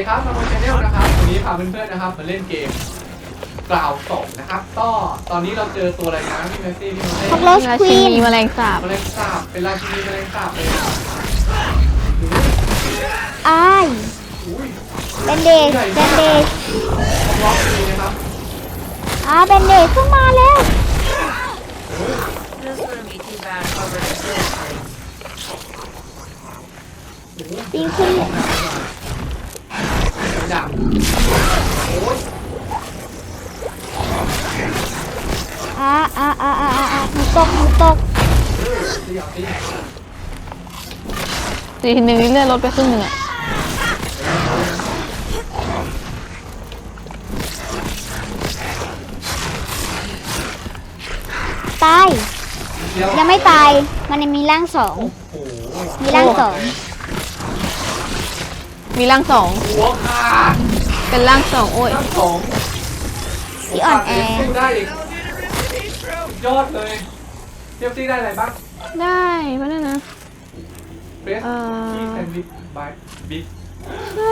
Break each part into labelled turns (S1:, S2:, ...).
S1: ครับมาบนชาแนลนะครับวันนี้พาเพื่อนๆนะครับมาเล่นเกมกล่าวสองนะครับก็ตอนนี้เราเจอตัวอะไรนะพี่แมสซี่พี่โมเซ่
S2: Roach
S3: ราชิ
S2: Queen
S3: นีแมลงสาบ
S1: แมลงสาบเป็นราชินีแมลงสาบเลย
S2: อ้าย
S1: อุ้ย
S2: เบนเดจเบนเดจ
S1: ล็อกเลยนะครับ
S2: เบนเดจขึ้นมาแล้ว
S4: This wouldn't be too bad covered in silver.
S2: ปีนขึ้น
S1: ดับโอ้ย
S2: หนูตก
S1: ตีเอาตี
S3: ตีทีนึงนี่เลื่อนรถไปครึ่งหนึ่งอะ
S2: ตาย
S1: เดี๋ยว
S2: ยังไม่ตาย มันยังมีร่างสอง
S1: โอ้โห
S2: มีร่างสอง
S3: มีร่างสอง
S1: หัวขาด
S3: เป็นร่างสองโอ้ย
S1: ทั้งสอง
S2: ที่อ่อนแอ
S1: สู้ได้อีกยอดเลยเทียบซี่ได้อะไรบ้าง
S3: ได้เพราะนั่นนะ
S1: เฟสที่แซนด์วิชบายบิ๊ก
S3: ใช่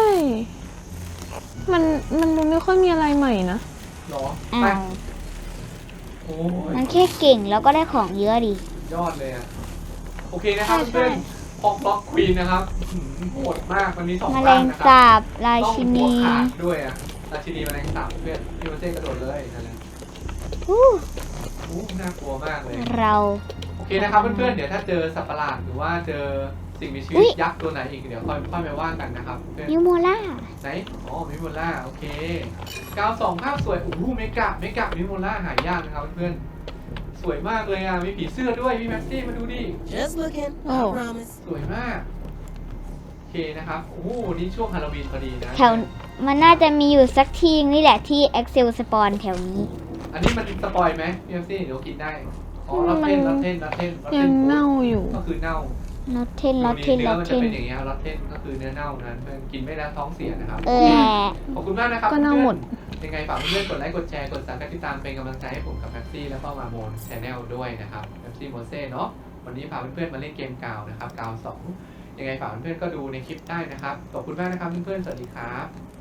S3: มันดูไม่ค่อยมีอะไรใหม่นะ
S1: หรอ
S2: อ้า
S1: ไป
S2: ว
S1: โอ้ย
S2: มันแค่เก่งแล้วก็ได้ของเยอะดิ
S1: ยอดเลยอ่ะโอเคนะครับเพื่อนพอกบล็อกควีนนะครับโหดมากมันมีสอง
S2: แมล
S1: ร่าง
S2: ง
S1: นะครั
S2: สาบรา
S1: ต้อง
S2: ชิ
S1: หั
S2: นี
S1: วขาดด้วยอ่ะราชินีแมลงสาบเพื่อนพี่มาเซ่กระโดดเลยนั่นแหละ
S2: อู้
S1: โอ้น่ากลัวมากเลย
S2: เรา
S1: โอเคนะครับเพื่อนๆเดี๋ยวถ้าเจอสัตว์ประหลาดหรือว่าเจอสิ่งมีชี
S2: อุ๊
S1: วิต
S2: ย
S1: ยักษ์ตัวไหนอีกเดี๋ยวค่อยไปว่ากันนะครับเพื่อน
S2: นิวโมล่า
S1: ไหนอ๋อมิโมล่าโอเค92ภาพสวยโอ้โหเมกะมิโมล่าหายากนะครับเพื่อนๆสวยมากเลยอ่ะมีผีเสื้อด้วยพี่แม็กซี่มาดูดิ
S4: Just looking, I
S3: Oh.
S4: promise.
S1: สวยมากโอเคนะครับโอ้โหนี่ช่วงฮาโลวีนพอดีนะ
S2: แถวมันน่าจะมีอยู่สักที่นี่แหละที่ Excel Spawn แถวนี้
S1: อันนี้มันสปอยไหมพี่แม็กซี่เดี๋ยวกินได้อ๋อลอตเทน
S3: ยังเน่าอยู่
S1: ก็คือเน่า
S2: ลอตเทนลอตเทน
S1: เนื้
S2: ล
S1: อ
S2: อต
S1: มัน
S2: เท
S1: จะ
S2: น
S1: เป็นอย่างเงี้ยลอตเทนก็คือเนื้อเน่านั้นเพื่อนกินไม่ได้ท้องเสียนะครับ ขอบคุณมากนะครับ
S3: ก็เน่าหมด
S1: ยังไงฝากเพื่อนๆกดไลค์กดแชร์กดซับสไครบ์ติดตามเป็นกำลังใจให้ผมกับแม็กซี่แล้วก็มาโมนชาแนลด้วยนะครับแม็กซี่โมเซ่เนาะวันนี้พาเพื่อนๆมาเล่นเกมกาวนะครับกาว2ยังไงฝากเพื่อนๆก็ดูในคลิปได้นะครับขอบคุณมากนะครับเพื่อนๆสวัสดีครับ